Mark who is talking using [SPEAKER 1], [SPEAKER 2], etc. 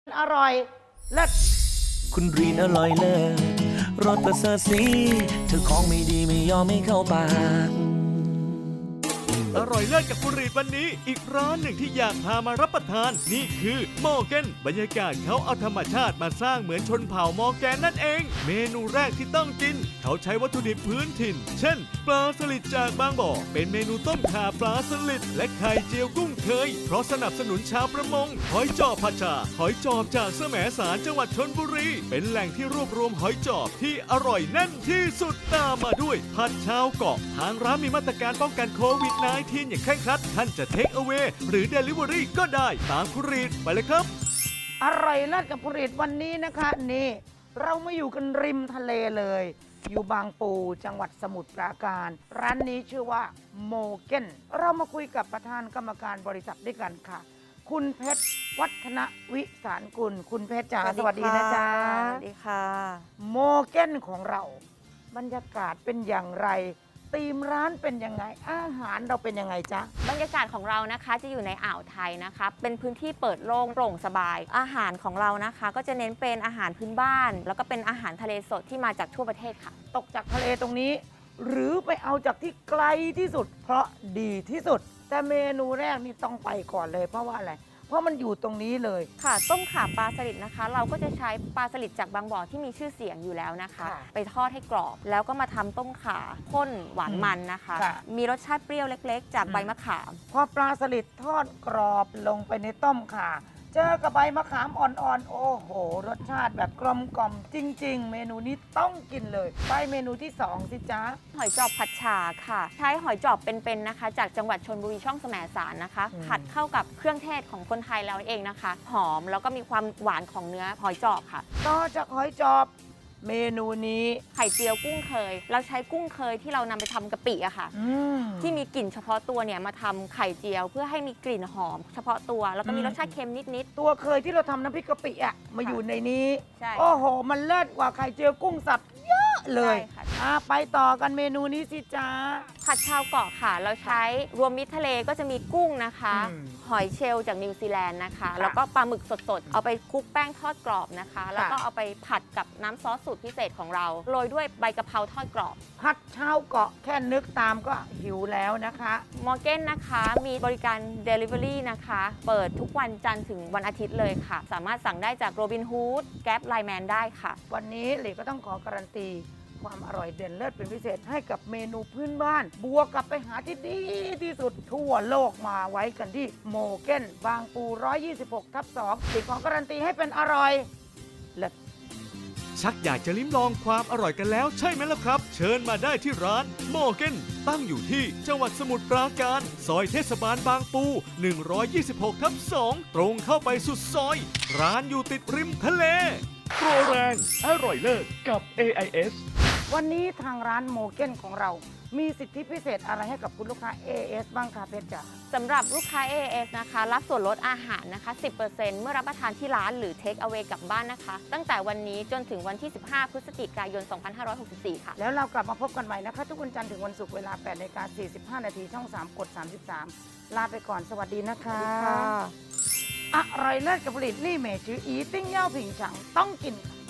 [SPEAKER 1] อร่อยเลิศ
[SPEAKER 2] คุณรีนอร่อยเลิศรสประเสริฐสีเธอของไม่ดีไม่ยอมไม่เข้าปาก
[SPEAKER 3] อร่อยเลิศกับคุณรีดวันนี้อีกร้านหนึ่งที่อยากพามารับประทานนี่คือมอร์แกนบรรยากาศเขาเอาธรรมชาติมาสร้างเหมือนชนเผ่ามอร์แกนนั่นเอง เมนูแรกที่ต้องกินเขาใช้วัตถุดิบพื้นถิ่น เช่น ปลาสลิดจากบางบ่อเป็นเมนูต้มข่าปลาสลิดและไข่เจียวกุ้งเคยเพราะสนับสนุนชาวประมงหอยจอบผัดชาหอยจอบจากแสมสารจังหวัดชลบุรีเป็นแหล่งที่รวบรวมหอยจอบที่อร่อยแน่นที่สุดตามมาด้วยผัดชาวเกาะทางร้านมีมาตรการป้องกันโควิด -19 อย่างเคร่งครัดท่านจะเทคเอา a y หรือ Delivery ก็ได้ตามคุณรีดไปเลยครับ
[SPEAKER 1] อร่อยเลิศกับผลิตวันนี้นะคะนี่เรามาอยู่กันริมทะเลเลย อยู่บางปูจังหวัดสมุทรปราการ ร้านนี้ชื่อว่าโมเกนเรามาคุยกับประธานกรรมการบริษัทด้วยกันค่ะ คุณเพชรวัฒนวิสารกุลคุณเพชรจ๋าสวัสดีนะจ๊ะ
[SPEAKER 4] สวัสดีค่ะ
[SPEAKER 1] โมเกนของเราบรรยากาศเป็นอย่างไรธีมร้านเป็นยังไงอาหารเราเป็นยังไงจ๊ะ
[SPEAKER 4] บรรยากาศของเรานะคะจะอยู่ในอ่าวไทยนะคะเป็นพื้นที่เปิดโล่งโปร่งสบาย อาหารของเรานะคะก็จะเน้นเป็นอาหารพื้นบ้าน แล้วก็เป็นอาหารทะเลสดที่มาจากทั่วประเทศค่ะ
[SPEAKER 1] ตกจากทะเลตรงนี้ หรือไปเอาจากที่ไกลที่สุด เพราะดีที่สุด แต่เมนูแรกนี่ต้องไปก่อนเลยเพราะว่าอะไรเพราะมันอยู่ตรงนี้เลย
[SPEAKER 4] ค่ะต้มข่าปลาสลิดนะคะ เราก็จะใช้ปลาสลิดจากบางบ่อที่มีชื่อเสียงอยู่แล้วนะคะ
[SPEAKER 1] ค่ะ
[SPEAKER 4] ไปทอดให้กรอบ แล้วก็มาทำต้มข่าข้นหวานมันนะคะ
[SPEAKER 1] ค่ะ
[SPEAKER 4] มีรสชาติเปรี้ยวเล็กๆ จากใบมะขาม
[SPEAKER 1] พอปลาสลิดทอดกรอบลงไปในต้มข่าเจอกับใบมะขามอ่อนๆ โอ้โห รสชาติแบบกลมกล่อมจริง ๆ เมนูนี้ต้องกินเลยไปเมนูที่สองสิจ๊ะ
[SPEAKER 4] หอยจอบผัดฉ่าค่ะ ใช้หอยจอบเป็นๆนะคะ จากจังหวัดชลบุรีช่องแสมสารนะคะ
[SPEAKER 1] อืม
[SPEAKER 4] ผัดเข้ากับเครื่องเทศของคนไทยเราเองนะคะ หอมแล้วก็มีความหวานของเนื้อหอยจอบค่ะ
[SPEAKER 1] ต่อจากหอยจอบเมนูนี้
[SPEAKER 4] ไข่เจียวกุ้งเคย เราใช้กุ้งเคยที่เรานำไปทำกะปิอะค่ะ ที่มีกลิ่นเฉพาะตัวเนี่ยมาทำไข่เจียวเพื่อให้มีกลิ่นหอม เฉพาะตัวแล้วก็มีรสชาติเค็มนิด
[SPEAKER 1] ตัวเคยที่เราทำน้ำพริกกะปิอะมาอยู่ในนี้
[SPEAKER 4] ใช่
[SPEAKER 1] โอ้โห มันเลิศกว่าไข่เจียวกุ้งสับเยอะเลย
[SPEAKER 4] ใช่ค่ะ
[SPEAKER 1] ไปต่อกันเมนูนี้สิจ๊ะ
[SPEAKER 4] ๆผัดชาวเกาะค่ะ เราใช้รวมมิตรทะเลก็จะมีกุ้งนะคะ
[SPEAKER 1] อืม
[SPEAKER 4] หอยเชลล์จากนิวซีแลนด์นะคะ
[SPEAKER 1] ค่ะ
[SPEAKER 4] แล้วก็ปลาหมึกสดๆ เอาไปคลุกแป้งทอดกรอบนะคะ แล้วก็
[SPEAKER 1] ค่ะ
[SPEAKER 4] เอาไปผัดกับน้ำซอสสูตรพิเศษของเราโรยด้วยใบกะเพราทอดกรอบ
[SPEAKER 1] ผัดชาวเกาะแค่นึกตามก็หิวแล้วนะคะ
[SPEAKER 4] มอร์เกนนะคะมีบริการ Delivery นะคะ เปิดทุกวันจันทร์ถึงวันอาทิตย์เลยค่ะ สามารถสั่งได้จากโรบินฮูดแก๊ปไลแมนได้ค่ะ
[SPEAKER 1] วันนี้หลีก็ต้องขอการันตี ความอร่อยเด่นเลิศเป็นพิเศษให้กับเมนูพื้นบ้าน บวกกับไปหาที่ดีที่สุดทั่วโลกมาไว้กันที่โมเกนบางปู 126/2หลีขอการันตีให้เป็นอร่อยเลิศ
[SPEAKER 3] ชักอยากจะลิ้มลองความอร่อยกันแล้วใช่ไหมล่ะครับ เชิญมาได้ที่ร้านมอร์เกนตั้งอยู่ที่จังหวัดสมุทรปราการ ซอยเทศบาลบางปู 126/2 ตรงเข้าไปสุดซอย ร้านอยู่ติดริมทะเล โปรแรงอร่อยเลิศกับ AIS
[SPEAKER 1] วันนี้ทางร้านโมเกนของเรา มีสิทธิพิเศษอะไรให้กับคุณลูกค้า AS บ้างคะเพชรจ๋า
[SPEAKER 4] สำหรับลูกค้า AAS นะคะ รับส่วนลดอาหารนะคะ 10% เมื่อรับประทานที่ร้านหรือ Take Away กลับบ้านนะคะ ตั้งแต่วันนี้จนถึงวันที่ 15 พฤศจิกายน 2564 ค่ะ
[SPEAKER 1] แล้วเรากลับมาพบกันใหม่นะคะ ทุกวันจันทร์ถึงวันศุกร์เวลา 8:45 นาทีช่อง 3 กด 33 ลาไปก่อนสวัสดีนะคะ อร่อยเลิศกับผลิตลี่เมจืออีติ้งเย่าผิงฉังต้องกินค่ะ